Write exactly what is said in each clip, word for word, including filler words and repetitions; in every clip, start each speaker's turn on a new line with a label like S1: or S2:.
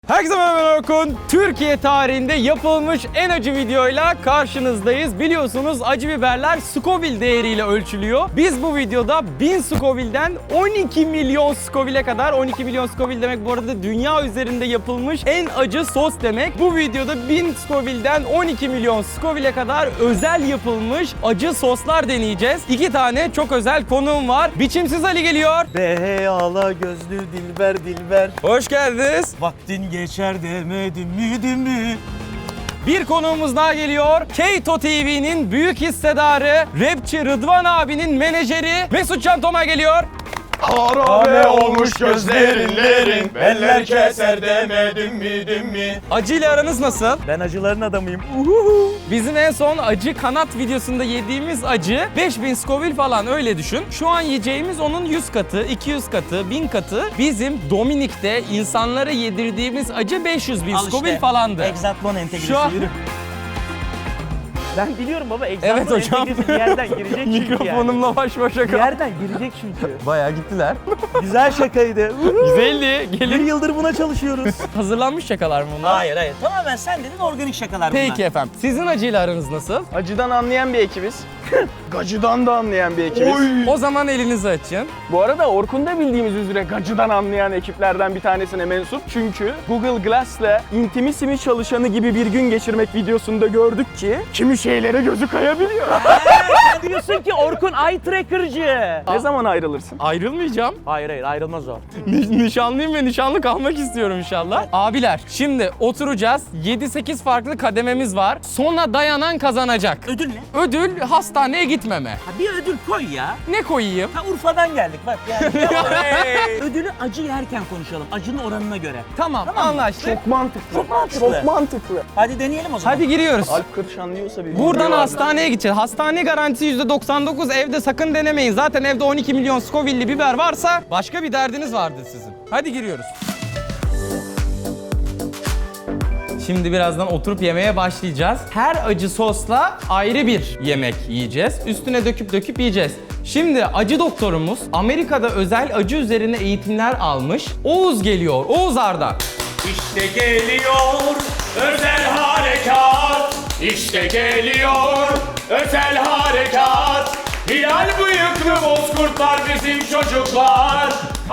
S1: Herkese merhaba, ben Orkun. Türkiye tarihinde yapılmış en acı videoyla karşınızdayız. Biliyorsunuz acı biberler Scoville değeriyle ölçülüyor. Biz bu videoda bin Scoville'den on iki milyon Scoville'e kadar, on iki milyon Scoville demek bu arada dünya üzerinde yapılmış en acı sos demek. Bu videoda bin Scoville'den on iki milyon Scoville'e kadar özel yapılmış acı soslar deneyeceğiz. İki tane çok özel konuğum var. Biçimsiz Ali geliyor.
S2: Beyala gözlü dilber dilber.
S1: Hoş geldiniz.
S2: Vaktin geçer demedim mi değil mi?
S1: Bir konuğumuz daha geliyor. Keto T V'nin büyük hissedarı, rapçi Rıdvan abinin menajeri Mesut Can Toma geliyor.
S3: Harabe olmuş gözlerinlerin, beller keser demedim mi dim mi?
S1: Acı ile aranız nasıl?
S2: Ben acıların adamıyım.
S1: Bizim en son acı kanat videosunda yediğimiz acı beş bin Scoville falan, öyle düşün. Şu an yiyeceğimiz onun yüz katı, iki yüz katı, bin katı. Bizim Dominik'te insanlara yedirdiğimiz acı beş yüz bin Scoville falandı.
S2: Exatlon entegresi.
S1: Şu an-
S2: Yürü. Ben biliyorum baba. Exatlon
S1: Evet hocam.
S2: entegresi bir yerden girecek çünkü yani.
S1: Mikrofonumla baş başa
S2: Bir
S1: kal.
S2: yerden girecek çünkü.
S1: Bayağı gittiler.
S2: Güzel şakaydı.
S1: Güzeldi.
S2: Bir
S1: Gelin.
S2: yıldır buna çalışıyoruz.
S1: Hazırlanmış şakalar mı bunlar?
S2: Hayır hayır. Tamamen sen dedin organik şakalar bunlar.
S1: Peki efendim. Sizin acıyla aranız nasıl?
S3: Acıdan anlayan bir ekibiz. Gacıdan da anlayan bir ekibiz.
S1: O zaman elinizi açın.
S3: Bu arada Orkun da bildiğimiz üzere gacıdan anlayan ekiplerden bir tanesine mensup. Çünkü Google Glass'le Intimissimi çalışanı gibi bir gün geçirmek videosunda gördük ki kimi şeylere gözü kayabiliyor.
S2: Sen diyorsun ki Orkun eye tracker'cı.
S3: Ne zaman ayrılırsın?
S1: Ayrılmayacağım.
S2: Hayır hayır ayrılmaz o.
S1: Ni- nişanlıyım ve nişanlı kalmak istiyorum inşallah. Abiler, şimdi oturacağız. yedi sekiz farklı kadememiz var. Sona dayanan kazanacak.
S2: Ödül ne?
S1: Ödül hastaneye gitmeme.
S2: Ha, bir ödül koy ya.
S1: Ne koyayım?
S2: Ha Urfa'dan geldik bak yani. Ödülü acı yerken konuşalım. Acının oranına göre.
S1: Tamam,
S2: Tamam mı?
S1: anlaştık.
S3: Çok mantıklı.
S2: Çok mantıklı.
S3: Çok mantıklı.
S2: Hadi deneyelim o zaman.
S1: Hadi giriyoruz.
S3: Alp Kırış anlıyorsa bir
S1: Buradan
S3: video vardı.
S1: hastaneye gideceğiz. Hastane garantisi yüzde doksan dokuz. Evde sakın denemeyin. Zaten evde on iki milyon Scoville'li biber varsa başka bir derdiniz vardır sizin. Hadi giriyoruz. Şimdi birazdan oturup yemeye başlayacağız. Her acı sosla ayrı bir yemek yiyeceğiz. Üstüne döküp döküp yiyeceğiz. Şimdi acı doktorumuz Amerika'da özel acı üzerine eğitimler almış. Oğuz geliyor. Oğuz Arda.
S4: İşte geliyor özel harekat. İşte geliyor özel harekat. Hilal bıyıklı bozkurtlar bizim çocuklar.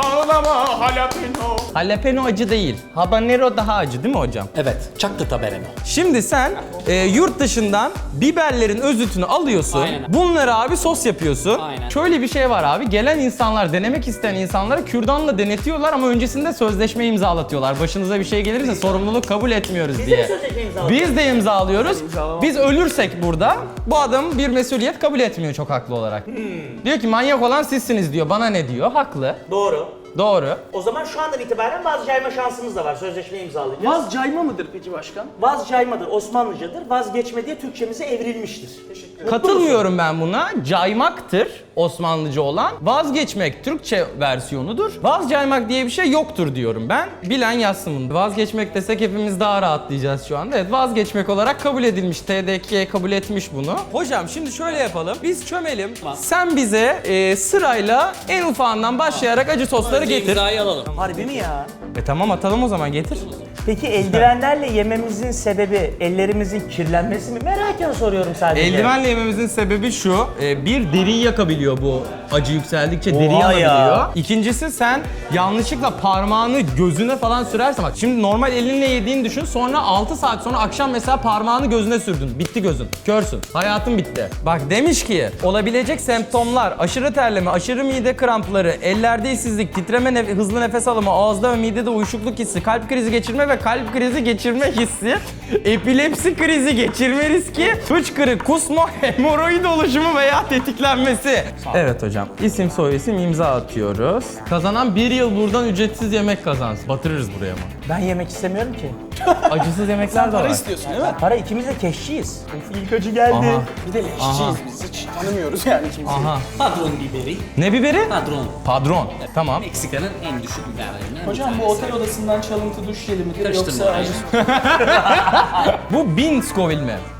S4: Ağlama jalapeno.
S1: Jalapeno acı değil. Habanero daha acı değil mi hocam?
S5: Evet, çaktı taberemi.
S1: Şimdi sen e, yurt dışından biberlerin özütünü alıyorsun.
S5: Aynen.
S1: Bunları abi sos yapıyorsun.
S5: Aynen.
S1: Şöyle bir şey var abi. Gelen insanlar, denemek isteyen insanlara kürdanla denetiyorlar ama öncesinde sözleşme imzalatıyorlar. Başınıza bir şey gelirse sorumluluk kabul etmiyoruz diye.
S2: sözleşme imzalatıyoruz.
S1: Biz de imzalıyoruz. Biz ölürsek burada bu adam bir mesuliyet kabul etmiyor çok haklı olarak.
S2: Hmm.
S1: Diyor ki manyak olan sizsiniz diyor. Bana ne diyor? Haklı.
S2: Doğru.
S1: Doğru.
S2: O zaman şu andan itibaren vazcayma şansımız da var. Sözleşme imzalayacağız.
S3: Vaz cayma mıdır peki başkan?
S2: Vazcaymadır, Osmanlıcadır. Vazgeçme diye Türkçemize evrilmiştir. Teşekkür ederim.
S1: Katılmıyorum ben buna. Caymaktır Osmanlıca olan. Vazgeçmek Türkçe versiyonudur. Vazcaymak diye bir şey yoktur diyorum ben. Bilen yazsın bunu. Vazgeçmek desek hepimiz daha rahatlayacağız şu anda. Evet, vazgeçmek olarak kabul edilmiş. T D K kabul etmiş bunu. Hocam şimdi şöyle yapalım. Biz çömelim. Sen bize e, sırayla en ufağından başlayarak acı sosları getir.
S5: İmzayı alalım.
S2: Harbi mi ya?
S1: E tamam, atalım o zaman, getir.
S2: Peki eldivenlerle yememizin sebebi ellerimizin kirlenmesi mi? Meraken soruyorum sadece.
S1: Eldivenle yememizin sebebi şu, e, bir deriyi yakabiliyor bu acı yükseldikçe, deri
S2: Oha ya.
S1: yanabiliyor. İkincisi, sen yanlışlıkla parmağını gözüne falan sürersen, bak şimdi normal elinle yediğini düşün, sonra altı saat sonra akşam mesela parmağını gözüne sürdün, bitti gözün, körsün, hayatın bitti. Bak demiş ki, olabilecek semptomlar aşırı terleme, aşırı mide krampları, ellerde işsizlik, titreme, nef- hızlı nefes alımı, ağızda ve midede uyuşukluk hissi, kalp krizi geçirme ve kalp krizi geçirme hissi, epilepsi krizi geçirme riski, hıçkırık, kusma, hemoroid oluşumu veya tetiklenmesi. Evet hocam, isim soy isim imza atıyoruz. Kazanan bir yıl buradan ücretsiz yemek kazansın. Batırırız buraya ama.
S2: Ben yemek istemiyorum ki.
S1: Acısız yemekler de var.
S3: İstiyorsun değil mi?
S2: Para ikimiz de keşçiyiz.
S3: İlk acı geldi.
S1: Aha.
S3: Bir de leşçiyiz biz. Hiç tanımıyoruz yani kimseyi.
S1: Aha.
S5: Padron biberi.
S1: Ne biberi?
S5: Padron.
S1: Padron. Tamam.
S5: Meksika'nın en düşük biberlerinden bir
S6: Hocam bu
S5: tanesi.
S6: otel odasından çalıntı duş jeli midir
S5: Karıştırma
S6: yoksa
S5: orayı.
S6: acı
S1: Bu bin Scoville mi?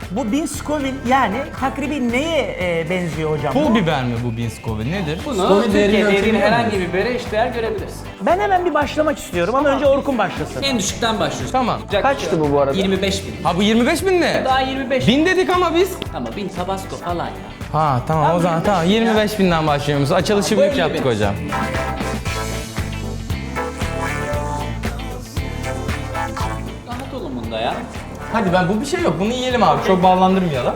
S2: Bu bin Scoville yani takribi neye e, benziyor hocam?
S1: Pul
S2: Bu?
S1: biber mi bu bin Scoville nedir?
S5: Bunu
S1: Scoville değerini
S5: Türkiye'de yediğin
S1: ölçebiliyor
S5: herhangi
S1: muyuz?
S5: bir bibere eşdeğer görebilirsin.
S2: Ben hemen bir başlamak istiyorum ama önce Orkun başlasın.
S5: En düşükten başlıyorsun.
S1: Tamam.
S3: Kaçtı bu bu arada?
S5: yirmi beş bin.
S1: Ha bu yirmi beş bin ne?
S5: Daha yirmi beş.
S1: Bin dedik ama biz.
S5: Ama bin Tabasco falan ya.
S1: Ha tamam o zaman tamam yirmi beş binden başlıyoruz. Açılışı
S5: Bu
S1: büyük
S5: elli
S1: yaptık
S5: bin.
S1: hocam.
S5: Rahat olun bunda ya.
S1: Hadi ben bu bir şey yok. Bunu yiyelim abi. Çok ballandırmayalım.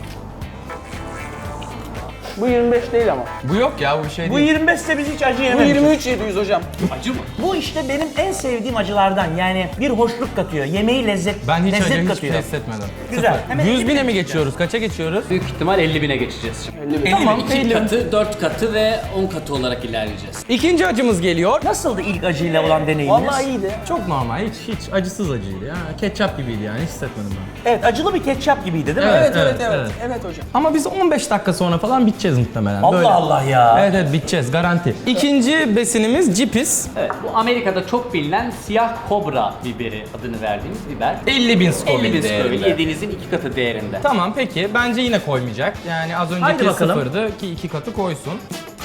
S3: Bu yirmi beş değil ama.
S1: Bu yok ya bu bir şey
S2: Bu
S1: değil.
S2: yirmi beş ise biz hiç acı
S3: Bu
S2: yememişiz.
S3: yirmi üç yedi yüz hocam.
S5: Acı mı?
S2: Bu işte benim en sevdiğim acılardan. Yani bir hoşluk katıyor. Yemeği lezzet,
S1: Ben hiç
S2: lezzet
S1: acı hiçbir
S2: katıyor.
S1: şey hissetmedim.
S2: Güzel.
S1: Sıfır.
S2: Hemen
S1: yüz
S2: elli
S1: bine
S2: bin
S1: mi geçiyoruz? Kaça geçiyoruz?
S5: Büyük ihtimal elli bine geçeceğiz şimdi.
S3: elli bin.
S1: Tamam,
S5: iki
S1: elli.
S5: katı, dört katı ve on katı olarak ilerleyeceğiz.
S1: İkinci acımız geliyor.
S2: Nasıldı ilk acıyla olan deneyiminiz?
S3: Vallahi iyiydi.
S1: Çok normal. Hiç hiç acısız acıydı ya. Ketçap gibiydi yani. Hiç hissetmedim ben.
S2: Evet, acılı bir ketçap gibiydi değil mi?
S1: Evet,
S3: Evet evet
S1: evet,
S3: evet.
S1: evet.
S3: Evet hocam.
S1: Ama biz on beş dakika sonra falan biteceğiz muhtemelen.
S2: Allah
S1: Böyle.
S2: Allah ya.
S1: Evet evet biteceğiz garanti. İkinci besinimiz cipis.
S5: Evet, bu Amerika'da çok bilinen siyah kobra biberi adını verdiğimiz biber.
S1: elli bin Scoville
S5: elli bin Scoville
S1: değerinde.
S5: yediğinizin iki katı değerinde.
S1: Tamam peki bence yine koymayacak. Yani az
S2: Haydi
S1: önceki
S2: bakalım.
S1: sıfırdı ki iki katı koysun.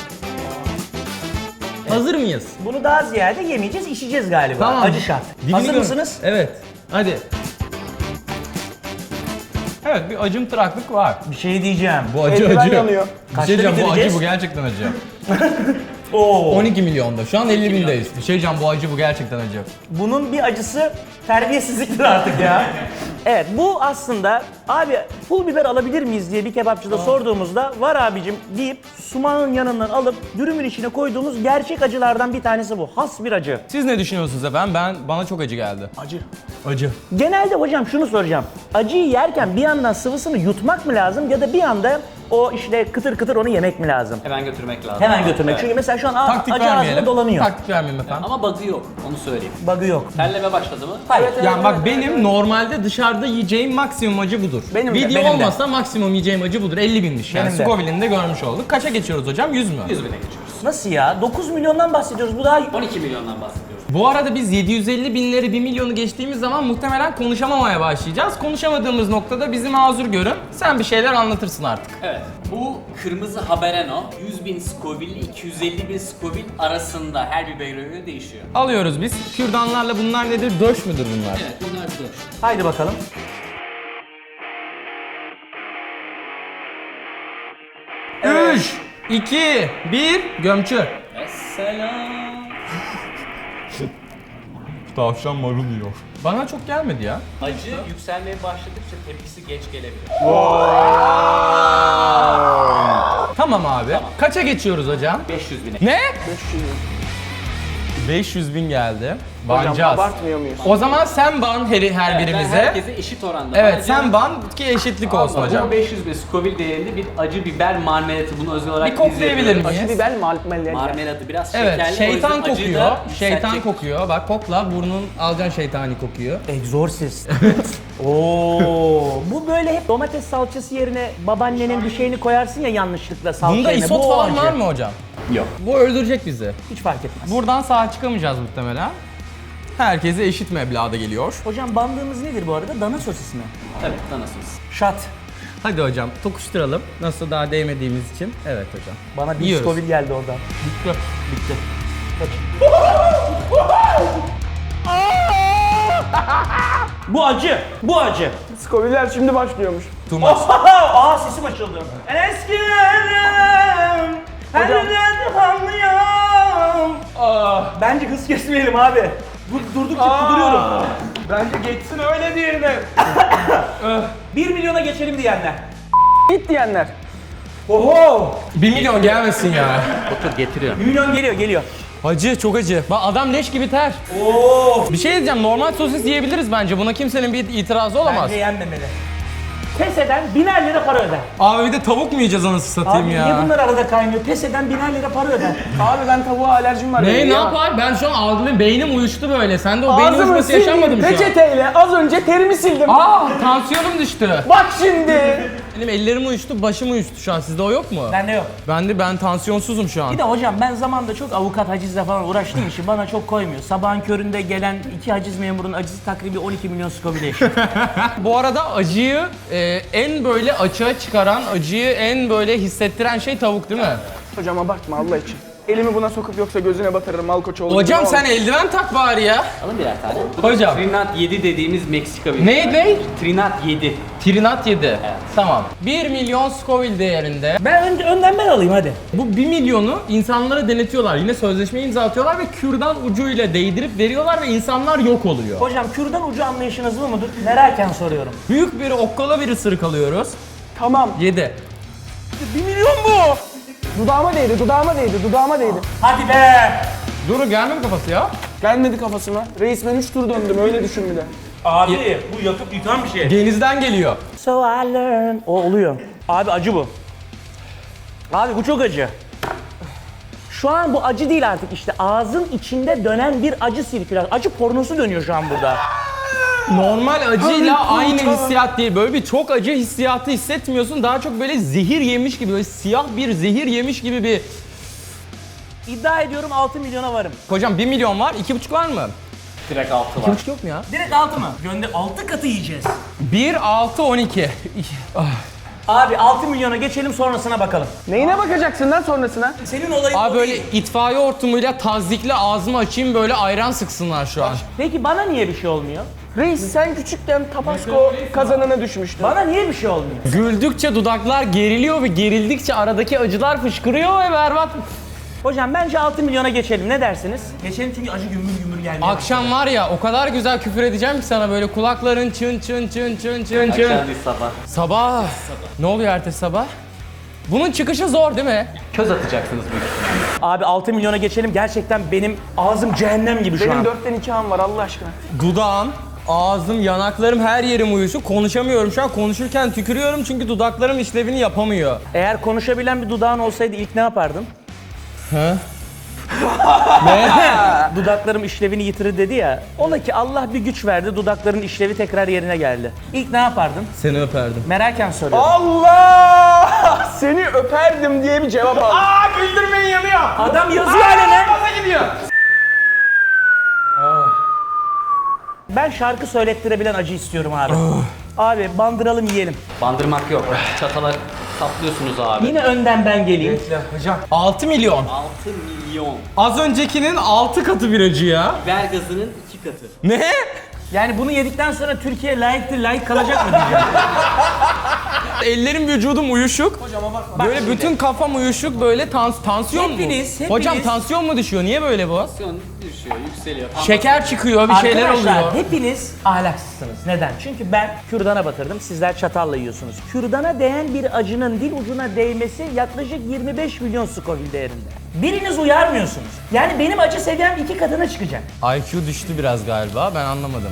S1: Hazır mıyız?
S2: Bunu daha ziyade yemeyeceğiz, içeceğiz galiba.
S1: Tamam.
S2: Acı şart.
S1: Dibini
S2: Hazır
S1: gör-
S2: mısınız?
S1: Evet. Hadi. Evet bir acımtıraklık var.
S2: Bir şey diyeceğim.
S1: Bu acı
S3: Eldiven
S1: acı.
S3: yanıyor.
S1: Bir
S2: Kaçta
S1: şey diyeceğim bu acı
S2: bitireceğiz?
S1: bu gerçekten acı.
S2: Oo.
S1: on iki milyonda. Şu an elli bindeyiz. Bir şey diyeceğim bu acı bu gerçekten acı.
S2: Bunun bir acısı terbiyesizliktir artık ya. Evet, bu aslında abi pul biber alabilir miyiz diye bir kebapçıda sorduğumuzda var abicim deyip sumağın yanından alıp dürümün içine koyduğumuz gerçek acılardan bir tanesi bu. Has bir acı.
S1: Siz ne düşünüyorsunuz efendim? Ben bana çok acı geldi.
S3: Acı.
S1: Acı.
S2: Genelde hocam şunu soracağım. Acıyı yerken bir yandan sıvısını yutmak mı lazım ya da bir anda o işte kıtır kıtır onu yemek mi lazım?
S5: Hemen götürmek lazım.
S2: Hemen götürmek.
S5: Evet.
S2: Çünkü mesela şu an a-
S1: Taktik
S2: acı ağzında
S1: vermeyelim.
S2: dolanıyor.
S1: Taktik vermeyelim efendim.
S5: Ama bug'ı yok, onu söyleyeyim.
S2: Bug'ı yok.
S5: Terleme başladı mı?
S2: Hayır.
S1: Yani bak benim normalde dışarıda yiyeceğim maksimum acı budur.
S3: Benim de,
S1: Video
S2: benim de.
S1: olmasa maksimum yiyeceğim acı budur. elli binmiş yani.
S2: Benim de.
S1: Scoville'ini de görmüş olduk. Kaça geçiyoruz hocam? yüz mü?
S5: yüz bine geçiyoruz.
S2: Nasıl ya? dokuz milyondan bahsediyoruz. Bu daha
S5: on iki milyondan bahsediyoruz.
S1: Bu arada biz yedi yüz elli binleri bir milyonu geçtiğimiz zaman muhtemelen konuşamamaya başlayacağız. Konuşamadığımız noktada bizi mazur görün. Sen bir şeyler anlatırsın artık.
S5: Evet. Bu kırmızı habereno yüz bin Scoville, iki yüz elli bin Scoville arasında her bibere göre değişiyor.
S1: Alıyoruz biz. Kürdanlarla bunlar nedir? Döş müdür bunlar?
S5: Evet, bunlar dört.
S2: Haydi bakalım.
S1: üç, iki, bir, gömçü.
S5: Esselam.
S1: Tavşan marul yiyor. Bana çok gelmedi ya.
S5: Acı yükselmeye başladıkça tepkisi geç gelebilir.
S1: Tamam abi. Kaça geçiyoruz hocam?
S5: beş yüz bine.
S1: Ne?
S3: beş yüz.
S1: beş yüz bin geldi.
S3: Hocam
S1: Banacağız.
S3: abartmıyor muyuz?
S1: O zaman sen ban her, her
S5: Evet, ben
S1: birimize.
S5: herkese eşit oranda.
S1: Evet
S5: banacağım.
S1: sen ban ki eşitlik olsun
S5: Ama
S1: hocam.
S5: Bu beş yüz bin Scoville değerinde bir acı biber marmelatı, bunu özel olarak
S1: Bir koklayabilir
S5: izleyebilirim.
S1: miyiz?
S3: Acı biber mal mal
S5: Marmelatı biraz
S1: Evet
S5: şekerli. o
S1: şeytan
S5: yüzden acıyı
S1: kokuyor.
S5: da
S1: Şeytan
S5: yükseltecek.
S1: kokuyor. Bak kokla burnun alacaksın şeytani kokuyor.
S2: Exorcist. Oo, bu böyle hep domates salçası yerine babaannenin bir şeyini koyarsın ya yanlışlıkla salça
S1: Bunda
S2: yerine.
S1: isot
S2: Bu o
S1: falan
S2: acı.
S1: var mı hocam?
S5: Yok.
S1: Bu öldürecek bizi.
S2: Hiç fark etmez.
S1: Buradan sağ çıkamayacağız muhtemelen. Herkese eşit meblağda geliyor.
S2: Hocam bandığımız nedir bu arada? Dana sosis mi?
S5: Tabii, tanısınız.
S2: Şat.
S1: Hadi hocam tokuşturalım. Nasıl daha değmediğimiz için. Evet hocam.
S2: Bana bir
S1: Yiyoruz.
S2: Scoville geldi oradan.
S1: Bitti.
S2: Bitti. Bu acı. Bu acı.
S3: Scoville'ler şimdi başlıyormuş.
S1: Too much.
S2: Aa sesim açıldı. Eskilerim. Her
S3: Hocam.
S2: yerde anlıyorum. Bence hız kesmeyelim abi. Dur, durdukça kuduruyorum.
S3: Bence geçsin öyle diğerine.
S2: bir milyona geçelim diyenler.
S3: Git diyenler.
S2: Oho!
S1: bir milyon gelmesin ya.
S5: Otur, getiriyorum.
S2: bir milyon geliyor, geliyor.
S1: Acı çok acı. Bak adam leş gibi ter.
S2: Oo!
S1: Bir şey diyeceğim normal sosis yiyebiliriz bence. Buna kimsenin bir itirazı olamaz.
S2: Bence yenmemeli. Pes eden biner lira para öder.
S1: Abi bir de tavuk mu yiyeceğiz anasını
S2: Abi
S1: satayım
S2: niye
S1: ya?
S2: bunlar arada kaynıyor? Pes eden biner lira para öder.
S3: Abi ben tavuğa alerjim var.
S1: Ne
S3: benim
S1: ne
S3: ya.
S1: yapar? Ben şu an algılayayım. Beynim uyuştu böyle. Sen de o beyin
S3: Ağzımı
S1: uyuşması yaşanmadı mı
S3: sildim
S1: şu an?
S3: peçeteyle. Az önce terimi sildim.
S1: Aa tansiyonum düştü.
S3: Bak şimdi.
S1: Benim ellerim uyuştu, başım uyuştu şu an. Sizde o yok mu?
S2: Bende yok.
S1: Ben de ben tansiyonsuzum şu an.
S2: Bir de hocam ben zamanında çok avukat hacizle falan uğraştığım için bana çok koymuyor. Sabahın köründe gelen iki haciz memurunun acısı takribi on iki milyon Scoville eşit.
S1: Bu arada acıyı e, Ee, en böyle açığa çıkaran, acıyı en böyle hissettiren şey tavuk değil mi?
S3: Hocam abartma Allah için. Elimi buna sokup yoksa gözüne batırırım Malkoçoğlu.
S1: Hocam
S3: gibi
S1: sen
S3: olmaz.
S1: eldiven tak bari ya.
S5: Alın birer tane. Bu da
S1: Hocam.
S5: Trinat yedi dediğimiz Meksika biberi.
S1: Ne, ne?
S5: Trinat yedi.
S1: Trinat yedi. Tamam. bir milyon Scoville değerinde.
S2: Ben önce önden ben alayım hadi.
S1: Bu bir milyonu insanlara denetiyorlar. Yine sözleşme imza atıyorlar ve kürdan ucuyla değdirip veriyorlar ve insanlar yok oluyor.
S2: Hocam kürdan ucu anlayışınız bu mudur? Meraken soruyorum.
S1: Büyük bir okkala bir ısırık alıyoruz.
S3: Tamam.
S1: yedi.
S3: Bir milyon bu. Dudağıma değdi, dudağıma değdi, dudağıma değdi.
S2: Hadi be!
S1: Dur gelmedi kafası ya.
S3: Gelmedi kafasıma. Reis ben üç tur döndüm öyle düşün bir de.
S2: Abi bu yakıp yıkan bir şey.
S1: Genizden geliyor.
S2: So I learn. O oluyor. Abi acı bu. Abi bu çok acı. Şu an bu acı değil artık işte ağzın içinde dönen bir acı sirkülasyon. Acı pornosu dönüyor şu an burada.
S1: Normal acıyla aynı hissiyat değil. Böyle bir çok acı hissiyatı hissetmiyorsun. Daha çok böyle zehir yemiş gibi, böyle siyah bir zehir yemiş gibi bir...
S2: İddia ediyorum altı milyona varım.
S1: Hocam bir milyon var, iki buçuk var mı?
S5: Direkt altı
S1: iki
S5: var.
S1: buçuk yok mu ya?
S2: Direkt altı mı? Gönde altı katı yiyeceğiz.
S1: bir, altı, on iki.
S2: Abi altı milyona geçelim sonrasına bakalım.
S3: Neyine bakacaksın lan sonrasına?
S2: Senin olayın
S1: Abi
S2: o
S1: böyle
S2: değil.
S1: itfaiye hortumuyla tazdikle ağzımı açayım böyle ayran sıksınlar şu an.
S2: Peki bana niye bir şey olmuyor?
S3: Reis sen küçükken Tabasco kazanına düşmüştün.
S2: Bana niye bir şey olmuyor?
S1: Güldükçe dudaklar geriliyor ve gerildikçe aradaki acılar fışkırıyor ve berbat.
S2: Hocam bence altı milyona geçelim ne dersiniz? Geçelim çünkü acı gümbür gümbür geldi.
S1: Akşam var ya o kadar güzel küfür edeceğim ki sana böyle kulakların çın çın çın çın çın çın.
S5: Akşam değil sabah.
S1: Sabah. Ne oluyor ertesi sabah? Bunun çıkışı zor değil mi?
S5: Köz atacaksınız büyük ihtimalle.
S2: Abi altı milyona geçelim gerçekten benim ağzım cehennem gibi şu
S3: Benim
S2: an.
S3: dörtten iki an var Allah aşkına.
S1: Dudağım, ağzım, yanaklarım her yerim uyuşuk. Konuşamıyorum şu an. Konuşurken tükürüyorum çünkü dudaklarım işlevini yapamıyor.
S2: Eğer konuşabilen bir dudağın olsaydı ilk ne yapardın?
S1: He?
S2: Dudaklarım işlevini yitirir dedi ya. Ola ki Allah bir güç verdi dudakların işlevi tekrar yerine geldi. İlk ne yapardın?
S1: Seni öperdim.
S2: Meraken soruyorum.
S3: Allah! Seni öperdim diye bir cevap aldım.
S1: Aa güldürmeyin yanıyor.
S2: Adam yazıyor alenen.
S1: Nasıl gidiyor?
S2: Ben şarkı söylettirebilen acı istiyorum abi. Abi bandıralım yiyelim.
S5: Bandırmak yok. Çatala saplıyorsunuz abi.
S2: Yine önden ben geleyim.
S1: Hocam. altı milyon.
S5: altı milyon.
S1: Az öncekinin altı katı bir acı ya.
S5: Biber gazının iki katı.
S1: Ne?
S2: Yani bunu yedikten sonra Türkiye layıktır, layık kalacak mı diyeceğim.
S1: Ellerim vücudum uyuşuk. Böyle
S2: şimdi.
S1: bütün kafam uyuşuk böyle tans tansiyon mu?
S2: Hepiniz, hepiniz-
S1: Hocam tansiyon mu düşüyor? Niye böyle bu?
S5: Tansiyon düşüyor, yükseliyor. Tam
S1: Şeker çıkıyor, bir şeyler
S2: Arkadaşlar
S1: oluyor.
S2: hepiniz ahlaksızsınız. Neden? Çünkü ben kürdana batırdım, sizler çatalla yiyorsunuz. Kürdana değen bir acının dil ucuna değmesi yaklaşık yirmi beş milyon Scoville değerinde. Biriniz uyarmıyorsunuz. Yani benim acı seviyem iki katına çıkacak.
S1: I Q düştü biraz galiba, ben anlamadım.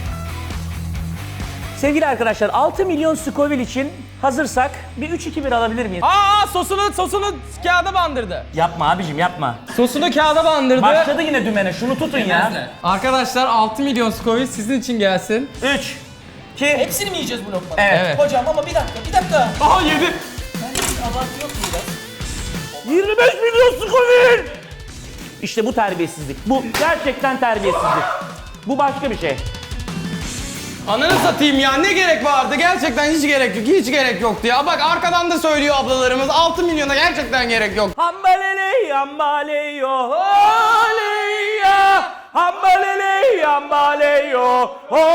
S2: Sevgili arkadaşlar altı milyon Scoville için hazırsak bir üç iki bir alabilir miyiz?
S1: Aa sosunu sosunu kağıda bandırdı.
S2: Yapma abicim yapma.
S1: Sosunu kağıda bandırdı.
S2: Başladı yine dümene şunu tutun ya.
S1: Arkadaşlar altı milyon Scoville sizin için gelsin.
S2: üç iki
S6: Hepsini mi yiyeceğiz bu lokmanın?
S2: Evet.
S1: Evet.
S6: Hocam ama bir dakika, bir dakika.
S1: Aha yedi.
S6: Abartı yok mu biraz?
S2: yirmi beş milyon Scoville! İşte bu terbiyesizlik. Bu gerçekten terbiyesizlik. Bu başka bir şey.
S1: Ananı satayım ya, ne gerek vardı? Gerçekten hiç gerek yok, hiç gerek yoktu ya. Bak arkadan da söylüyor ablalarımız, altı milyona gerçekten gerek yok.
S2: Hambalele hambaleyo haleya hambalele hambaleyo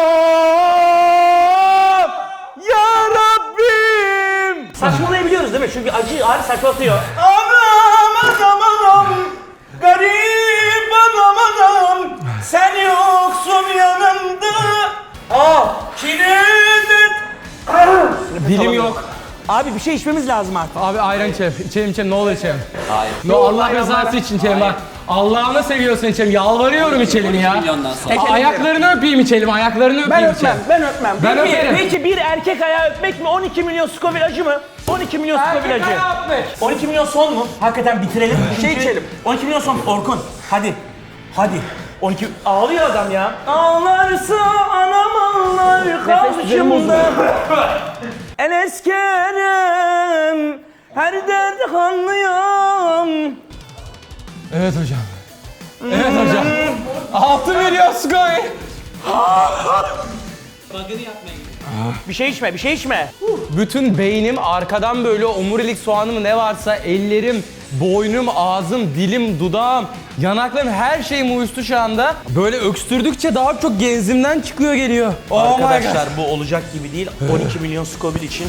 S2: ya Rabbim. Saçmalayabiliyoruz değil mi? Çünkü acı ağır saçmatıyor. Anam anam anam garip anam anam sen yoksun yanımda. Ah kilit.
S1: Dilim yok.
S2: Abi bir şey içmemiz lazım artık.
S1: Abi ayran içelim, içelim içelim, ne olur içelim.
S5: Hayır.
S1: No, Allah rızası için içelim bak. Allah'ını seviyorsun içelim, yalvarıyorum içelim ya.
S5: milyondan sonra.
S1: A- ayaklarını öpeyim içelim, ayaklarını
S3: Ben
S1: öpeyim
S3: öpmem,
S1: içelim.
S3: ben öpmem.
S1: Ben
S2: Peki,
S1: öperim.
S2: peki bir erkek ayağı öpmek mi? on iki milyon Scoville acı mı? on iki milyon Scoville acı. on iki milyon son mu? Hakikaten bitirelim.
S3: şey içelim.
S2: on iki milyon son. Orkun hadi. Hadi. on iki ağlıyor adam ya. Ağlarsa anam ağlar karşımda. Enes Kerem her dert anlıyorum.
S1: Evet hocam. Evet hocam. altı milyon Scoville.
S5: bug'ını yapmaya gidiyorum.
S2: Bir şey içme, bir şey içme.
S1: Bütün beynim arkadan böyle omurilik soğanı mı ne varsa ellerim, boynum, ağzım, dilim, dudağım, yanaklarım her şeyim uyuştu şu anda. Böyle öksürdükçe daha çok genzimden çıkıyor geliyor. Oh my God.
S2: Arkadaşlar bu olacak gibi değil. on iki milyon Scoville için.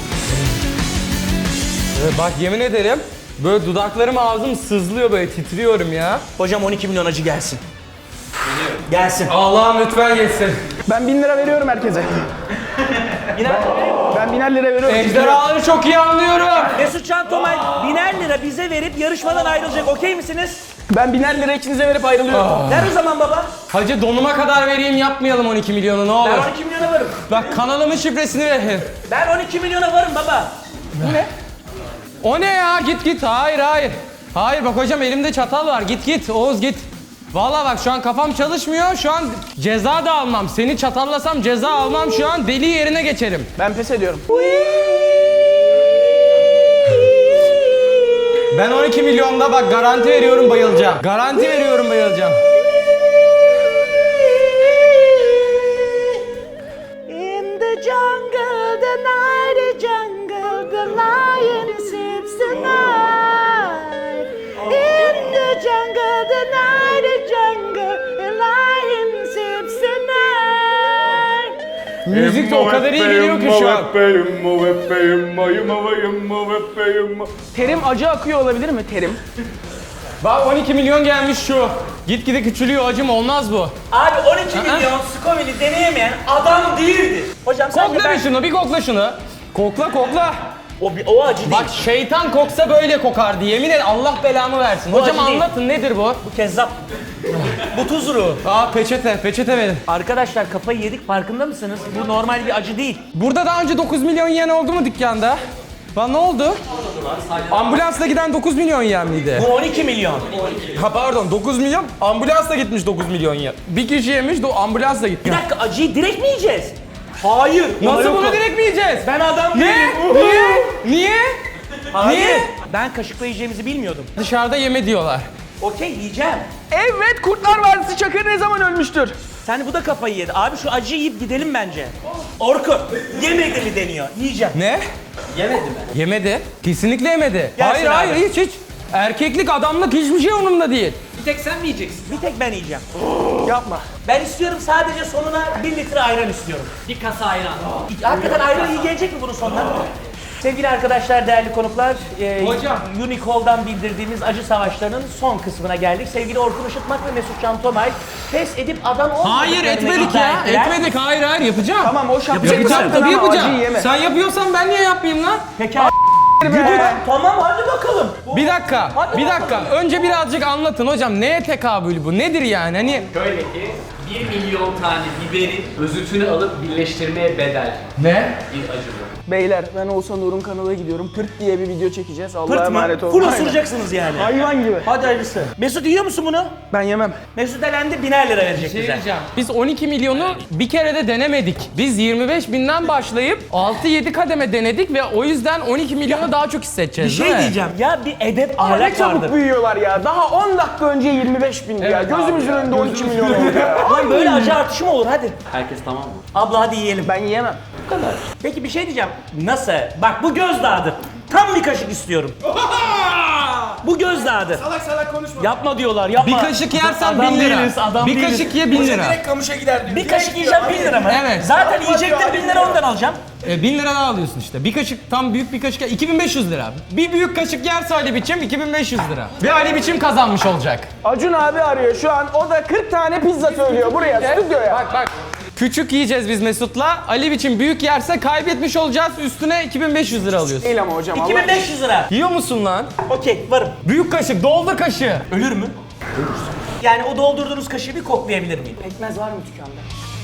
S1: Ee, Bak yemin ederim böyle dudaklarım ağzım sızlıyor böyle titriyorum ya.
S2: Hocam on iki milyon acı gelsin. Gelsin.
S1: Allah'ım lütfen geçsin.
S3: Ben bin lira veriyorum herkese. Ben biner lira veriyorum.
S1: Ejderhaları çok iyi anlıyorum.
S2: Mesut Can Tomay biner lira bize verip yarışmadan ayrılacak. Okey misiniz?
S3: Ben biner lira ikinize verip ayrılıyorum.
S2: Ver o zaman baba.
S1: Hacı donuma kadar vereyim yapmayalım on iki milyonu ne olur.
S2: Ben on iki milyona varım.
S1: Bak kanalımın şifresini verin.
S2: Ben on iki milyona varım baba.
S1: O ne ya git git hayır hayır. Hayır bak hocam elimde çatal var git git Oğuz git. Vallahi bak şu an kafam çalışmıyor şu an ceza da almam. Seni çatallasam ceza almam şu an deli yerine geçerim.
S3: Ben pes ediyorum.
S1: Ben on iki milyonda bak garanti veriyorum bayılacağım. Garanti veriyorum bayılacağım.
S2: In the jungle, the night jungle, the lion sleeps tonight. In the jungle, the night jungle, the lion sleeps tonight.
S1: Müzik de o kadar iyi geliyor ki şu an.
S3: Terim acı akıyor olabilir mi? Terim.
S1: Bak on iki milyon gelmiş şu. Gitgide küçülüyor acım olmaz bu.
S2: Abi on iki milyon Scoville'i deneyemeyen adam değildi. Hocam sen de
S1: Kokla
S2: ben...
S1: bir şunu bir kokla şunu. Kokla kokla.
S2: O, o acı değil.
S1: Bak şeytan koksa böyle kokardı yemin et Allah belamı versin. Hocam
S2: acı değil.
S1: anlatın nedir bu?
S2: Bu kezzap. Bu tuzru.
S1: Aa peçete peçete verin.
S2: Arkadaşlar kafayı yedik farkında mısınız? Bu normal bir acı değil.
S1: Burada daha önce dokuz milyon yiyen oldu mu dükkanda? Lan ne oldu? Ambulansla giden dokuz milyon yiyen miydi?
S2: Bu on iki milyon.
S1: Ha pardon dokuz milyon ambulansla gitmiş dokuz milyon yiyen. Bir kişi yemiş do ambulansla
S2: Bir
S1: gitmiş.
S2: dakika acıyı direkt mi yiyeceğiz? Hayır.
S1: Nasıl bunu direkt mi yiyeceğiz?
S2: Ben adam
S1: Ne?
S2: değilim.
S1: Niye? Niye?
S2: Hayır.
S1: Niye?
S2: Ben kaşıkla yiyeceğimizi bilmiyordum.
S1: Dışarıda yeme diyorlar.
S2: Okey yiyeceğim.
S3: Evet, Kurtlar Vadisi Çakır ne zaman ölmüştür?
S2: Sen bu da kafayı yedi. Abi şu acıyı yiyip gidelim bence. Orkun yemedi mi deniyor. Yiyeceğim.
S1: Ne?
S5: Yemedi mi?
S1: Yemedi. Kesinlikle yemedi.
S2: Gelsin
S1: hayır
S2: abi.
S1: hayır hiç hiç. Erkeklik adamlık hiçbir şey onunla değil.
S5: Bir tek sen mi yiyeceksin?
S2: Bir tek ben yiyeceğim.
S3: Yapma.
S2: Ben istiyorum sadece sonuna bir litre ayran istiyorum.
S5: Bir kasa ayran.
S2: Hakikaten ayran iyi gelecek mi bunun sonuna? Sevgili arkadaşlar, değerli konuklar, e,
S1: Hocam.
S2: Unicole'dan bildirdiğimiz acı savaşlarının son kısmına geldik. Sevgili Orkun Işıtmak ve Mesut Can Tomay pes edip adam olmadıklarını
S1: Hayır etmedik
S2: iddia
S1: ya.
S2: ettiler.
S1: Etmedik hayır hayır yapacağım.
S3: Tamam o şapka
S2: Yapacak
S1: Yapacağım
S2: mısın?
S1: tabii
S3: ama acıyı
S1: yapacağım.
S3: yeme.
S1: Sen yapıyorsan ben niye yapmayayım lan?
S2: Peki Güdük. Tamam hadi bakalım.
S1: Bir dakika,
S2: Hadi
S1: bir
S2: bakalım.
S1: dakika. Önce birazcık anlatın hocam. Neye tekabül bu? Nedir yani? Hani
S5: Şöyle ki bir milyon tane biberin özütünü alıp birleştirmeye bedel
S1: ne?
S5: bir acı bu.
S3: Beyler ben Oğuzhan Uğur'un kanala gidiyorum. Pırt diye bir video çekeceğiz. Allah'a
S2: Pırt mı?
S3: emanet olun.
S2: Full
S3: Aynen.
S2: osuracaksınız yani.
S3: Hayvan gibi.
S2: Hadi hayırlısı. Mesut yiyor musun bunu?
S3: Ben yemem.
S2: Mesut elendi biner lira verecek
S1: Şey
S2: bize.
S1: diyeceğim. Biz on iki milyonu bir kere de denemedik. Biz yirmi beş binden başlayıp altı yedi kademe denedik ve o yüzden on iki milyonu daha çok
S2: Bir
S1: hissedeceğiz
S2: şey
S1: değil mi?
S2: diyeceğim. Ya bir edep
S3: Aa, ne
S2: ahlak
S3: çabuk
S2: vardır.
S3: büyüyorlar ya. Daha on dakika önce yirmi beş bindi ya.
S1: Evet
S3: Gözümüzün
S1: abi ya,
S3: önünde on iki
S1: gözümüzün
S3: milyon oldu ya.
S2: Lan böyle acı artışı mı olur hadi.
S5: Herkes tamam mı?
S2: Abla hadi yiyelim.
S3: Ben yiyemem.
S2: Peki bir şey diyeceğim. Nasıl? Bak bu gözdağıdır. Tam bir kaşık istiyorum. Bu gözdağıdır.
S6: Salak salak konuşma.
S2: Yapma diyorlar yapma.
S1: Bir kaşık yersen
S2: Adam
S1: bin lira.
S2: değiliz, adam
S1: bir
S2: değiliz.
S1: kaşık ye bin lira.
S6: Direkt kamışa gider diyor.
S2: Bir kaşık yiyeceğim bin lira mı?
S1: Evet.
S2: Zaten yiyecektim bin lira ondan alacağım.
S1: E, bin lira daha alıyorsun işte. Bir kaşık tam büyük bir kaşık iki bin beş yüz lira. Bir büyük kaşık yerse Ali Biçim iki bin beş yüz lira. Ve Ali Biçim kazanmış olacak.
S3: Acun abi arıyor şu an. O da kırk tane pizza söylüyor buraya stüdyoya.
S1: Bak bak. Küçük yiyeceğiz biz Mesut'la. Ali Biçim büyük yerse kaybetmiş olacağız. Üstüne iki bin beş yüz lira alıyorsun.
S3: Değil ama hocam.
S2: iki bin beş yüz lira.
S1: Yiyor musun lan?
S2: Okey varım.
S1: Büyük kaşık, doldur kaşığı.
S2: Ölür mü? Ölürsün. Yani o doldurduğunuz kaşığı bir koklayabilir miyim?
S3: Pekmez var mı dükkanda?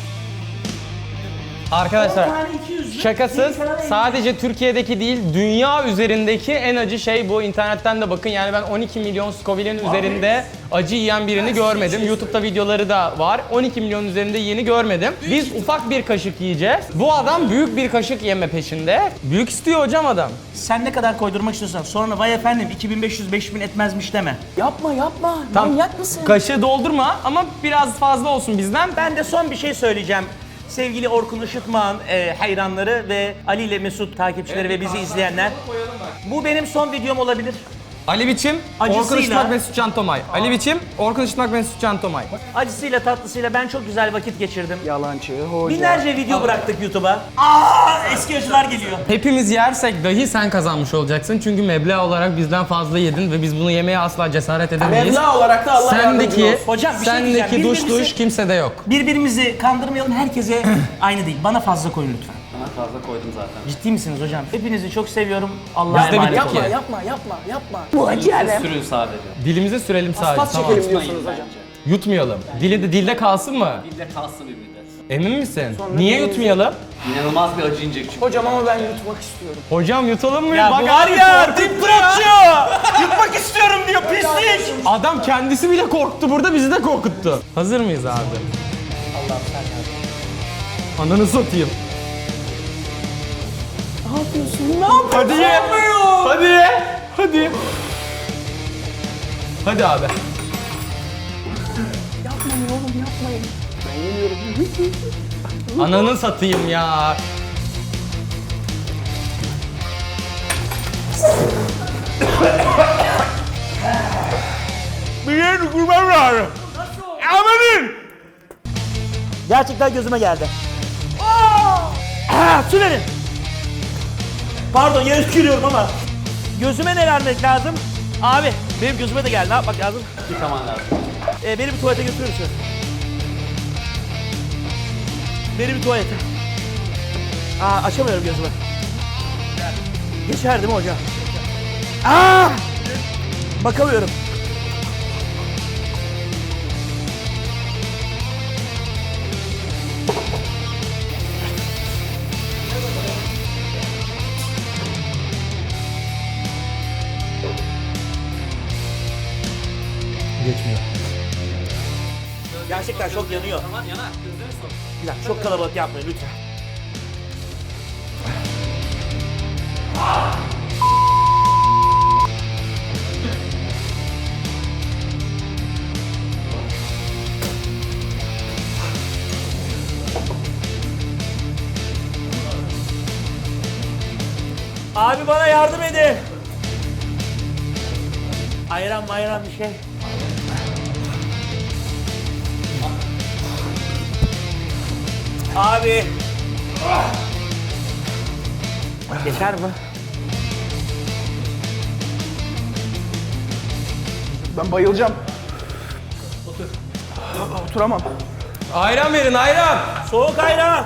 S1: Arkadaşlar
S2: Yani iki yüz.
S1: şakasız sadece Türkiye'deki değil dünya üzerindeki en acı şey bu. İnternetten de bakın yani ben on iki milyon Scoville'in üzerinde acı yiyen birini görmedim. YouTube'da videoları da var. on iki milyon üzerinde yiyeni görmedim. Biz ufak bir kaşık yiyeceğiz. Bu adam büyük bir kaşık yeme peşinde. Büyük istiyor hocam adam.
S2: Sen ne kadar koydurmak istiyorsan sonra vay efendim iki bin beş yüz beş bin etmezmiş deme.
S3: Yapma yapma.
S1: Tam
S3: Manyak mısın?
S1: kaşığı doldurma ama biraz fazla olsun bizden.
S2: Ben de son bir şey söyleyeceğim. Sevgili Orkun Işıtmak'ın e, hayranları ve Ali ile Mesut takipçileri ve bizi izleyenler. Bu benim son videom olabilir.
S1: Ali Biçim,
S2: Acısıyla-
S1: Orkun Işıtmak, Mesut Can Tomay. Ali Biçim, Orkun Işıtmak, Mesut Can Tomay.
S2: Acısıyla tatlısıyla ben çok güzel vakit geçirdim.
S3: Yalancı, hoca.
S2: Binlerce video bıraktık YouTube'a. Aa, eski acılar geliyor.
S1: Hepimiz yersek dahi sen kazanmış olacaksın. Çünkü meblağ olarak bizden fazla yedin ve biz bunu yemeye asla cesaret edemeyiz.
S3: Meblağ olarak da Allah yardımcın
S1: Sendeki,
S3: olsun.
S2: Hocam bir şey diyeceğim.
S1: sendeki duş
S2: Birbirimizi-
S1: duş kimsede yok.
S2: Birbirimizi kandırmayalım, herkese aynı değil. Bana fazla koyun lütfen.
S5: Sana fazla koydum zaten.
S2: Ciddi misiniz hocam? Hepinizi çok seviyorum. Allah'a
S1: Biz de
S2: emanet
S1: bittik
S2: olun.
S1: ki.
S3: Yapma, yapma, yapma.
S5: Siz sürün sadece.
S1: Dilimize sürelim sadece.
S3: Pas
S1: Tamam.
S3: çekelim diyorsunuz hocam.
S1: Yutmayalım. Dili de dilde kalsın mı?
S5: Dilde kalsın bir müddet.
S1: Emin misin? Niye yutmayalım?
S5: İnanılmaz bir acı inecek çünkü.
S3: Hocam ama ben yutmak istiyorum.
S1: Hocam yutalım mı?
S2: Ya
S1: Bak
S2: bu var
S1: abi
S2: ya,
S1: korkuttu
S2: dip bırakıyor. Yutmak istiyorum diyor, pislik.
S1: Adam kendisi bile korktu burada, bizi de korkuttu. Hazır mıyız abi? Allah'ım sen yardım. Ananı satayım.
S3: Ne yapıyorsun? Ne yapıyorsun?
S1: Hadi ye. Hadi ye. Hadi. Hadi abi.
S3: Yapmayın oğlum, yapmayın. Ben yemiyorum.
S1: Ananı satayım ya.
S2: Bir yer kurmam lazım. Amanın. Gerçekten gözüme geldi. Aa, su verin. Pardon, yere tükürüyorum ama. Gözüme ne vermek lazım? Abi, benim gözüme de geldi. Ne yapmak lazım?
S5: Yıkaman lazım.
S2: Ee, beni bir tuvalete götürür müsün? Beni bir tuvalete. Aa, açamıyorum gözümü. Geçer değil mi hocam? Aa! Bakamıyorum.
S1: Geçmiyor.
S2: Gerçekten çok yanıyor.
S5: Tamam yanar. Gözlerini sok.
S2: Bir dakika, çok kalabalık yapmayın lütfen. Abi bana yardım edin. Ayran mayran bir şey. Abi. Geçer mi?
S3: Ben bayılacağım. Otur. Oturamam.
S1: Ayran verin, ayran.
S2: Soğuk ayran.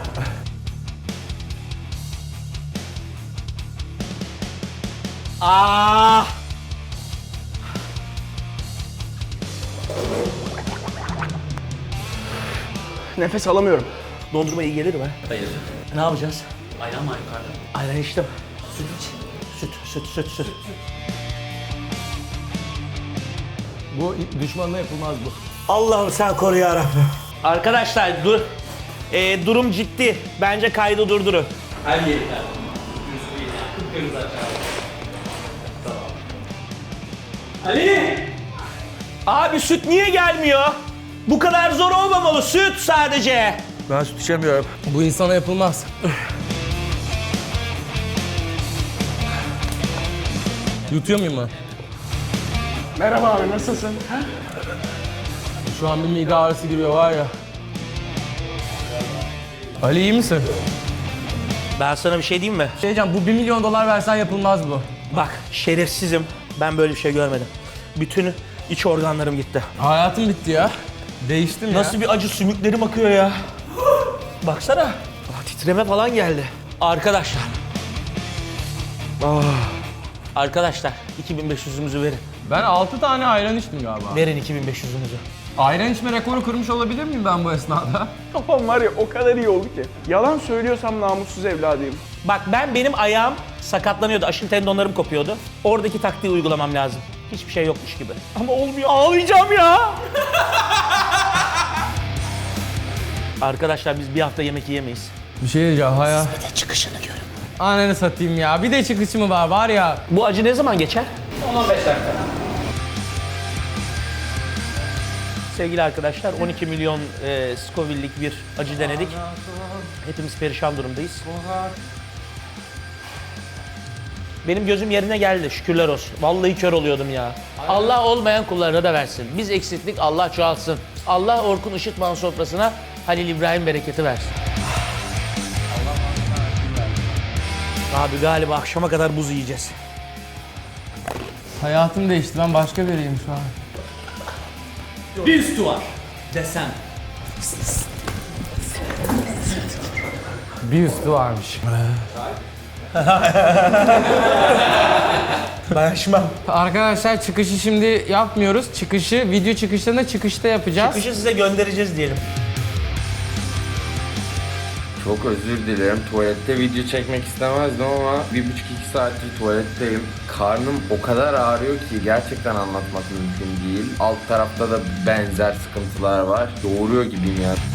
S2: Ah.
S3: Nefes alamıyorum.
S2: Dondurma iyi gelir mi?
S5: Hayır.
S2: Ne yapacağız?
S5: Ayran var yukarıda.
S2: Ayran içtim. Süt iç. Süt, süt, süt, süt.
S1: Bu düşmanla yapılmaz bu.
S2: Allah'ım sen koru yarabbim. Arkadaşlar dur. Ee, durum ciddi. Bence kaydı durdurun.
S5: Her yerinden. Kırmızı değil yani. Kıpkırmızı aşağı.
S2: Ali! Abi süt niye gelmiyor? Bu kadar zor olmamalı. Süt sadece. Ben süt içemiyorum.
S1: Bu insana yapılmaz. Yutuyor muyum ben?
S3: Merhaba abi, nasılsın?
S1: Şu an bir mide ağrısı giriyor var ya. Ali iyi misin?
S2: Ben sana bir şey diyeyim mi?
S1: Şey diyeceğim, bu bir milyon dolar versen yapılmaz bu.
S2: Bak şerefsizim. Ben böyle bir şey görmedim. Bütün iç organlarım gitti.
S1: Hayatım bitti ya. Değiştim ya.
S2: Nasıl bir acı, sümüklerim akıyor ya. Baksana. Ah, titreme falan geldi. Arkadaşlar. Ah. Arkadaşlar iki bin beş yüzümüzü verin.
S1: Ben altı tane ayran içtim galiba.
S2: Verin iki bin beş yüzümüzü.
S1: Ayran içme rekoru kırmış olabilir miyim ben bu esnada?
S3: Kafam var ya, o kadar iyi oldu ki. Yalan söylüyorsam namussuz evladıyım.
S2: Bak ben benim ayağım sakatlanıyordu. Aşil tendonlarım kopuyordu. Oradaki taktiği uygulamam lazım. Hiçbir şey yokmuş gibi. Ama olmuyor. Ağlayacağım ya. Arkadaşlar biz bir hafta yemek yiyemeyiz.
S1: Bir şey diyeceğim haya.
S2: Bir de çıkışını görün.
S1: Ananı satayım ya. Bir de çıkışı mı var var ya.
S2: Bu acı ne zaman geçer?
S5: on on beş dakika.
S2: sevgili arkadaşlar. on iki milyon e, Scoville'lik bir acı denedik. Hepimiz perişan durumdayız. Benim gözüm yerine geldi, şükürler olsun. Vallahi kör oluyordum ya. Allah olmayan kullarına da versin. Biz eksiklik, Allah çoğalsın. Allah Orkun Işıtman sofrasına Halil İbrahim bereketi versin. Abi galiba akşama kadar buz yiyeceğiz.
S1: Hayatım değişti. Ben başka biriyim şu an.
S5: Bir üstü var. Desem.
S1: Bir üstü varmış.
S2: Ben açmam.
S1: Arkadaşlar çıkışı şimdi yapmıyoruz. Çıkışı, video çıkışlarında çıkışta yapacağız.
S2: Çıkışı size göndereceğiz diyelim.
S7: Çok özür dilerim. Tuvalette video çekmek istemezdim ama bir buçuk iki saattir tuvaletteyim. Karnım o kadar ağrıyor ki gerçekten anlatmak mümkün değil. Alt tarafta da benzer sıkıntılar var. Doğuruyor gibiyim yani.